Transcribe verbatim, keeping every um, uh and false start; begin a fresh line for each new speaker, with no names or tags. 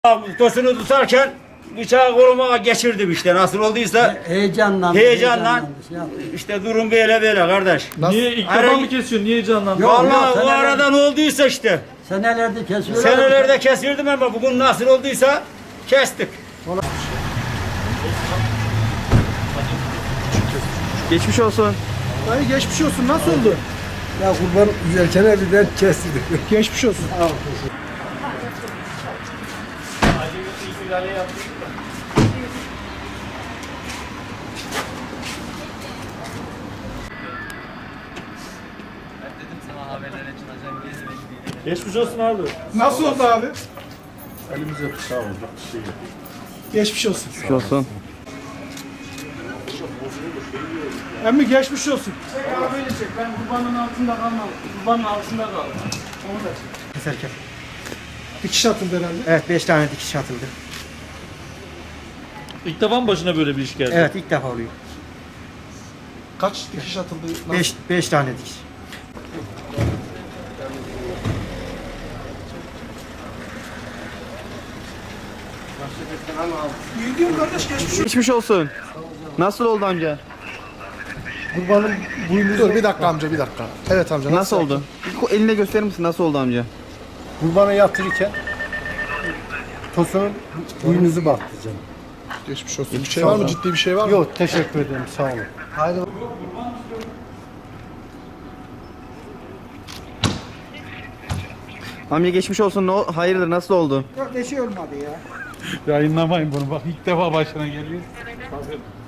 Tosunu tutarken bıçağı koluma geçirdim işte nasıl olduysa
Heyecanlandı.
heyecanla
şey yaptı.
işte durum böyle böyle kardeş.
Niye ilk defa
Ara-
mı kesiyorsun? Niye heyecanlandın?
Yok,
Vallahi
yok,
o
seneler-
arada ne olduysa işte
Senelerde kesiyorlar.
senelerde kesirdim ama bugün nasıl olduysa kestik.
Geçmiş olsun.
Dayı geçmiş olsun. Nasıl oldu?
Ya kurban üzerken elden kestirdik.
Geçmiş olsun.
Geçmiş olsun abi.
Nasıl oldu abi?
Elimize bıçağı oldu. Bir şey yok.
Geçmiş olsun.
Geçmiş olsun.
Emmi geçmiş olsun. Ya böyle çek. Ben kurbanın altında kalmam. Kurbanın altında kaldım. Onu da çek.
Keserken.
Dikiş atıldı herhalde.
Evet beş tane dikiş atıldı.
İlk defa mı başına böyle bir iş geldi?
Evet ilk defa oluyor.
Kaç dikiş atıldı? Nasıl?
beş beş tane dikiş.
İyi diyorum kardeş geçmiş olsun.
Geçmiş olsun. Nasıl oldu amca?
Kurbanın boynu. Dur bir dakika amca bir dakika. Evet amca.
Nasıl oldu? Bir eline gösterir misin nasıl oldu amca?
Kurbanı yatırırken tosunun boynuzu battı canım.
Geçmiş olsun. Bir şey var mı? Ciddi bir şey var mı?
Yok teşekkür ederim sağ olun. Haydi.
Amca geçmiş olsun. Ne, ol- hayırdır nasıl oldu?
Yayınlamayın bunu bak ilk defa başına geliyor.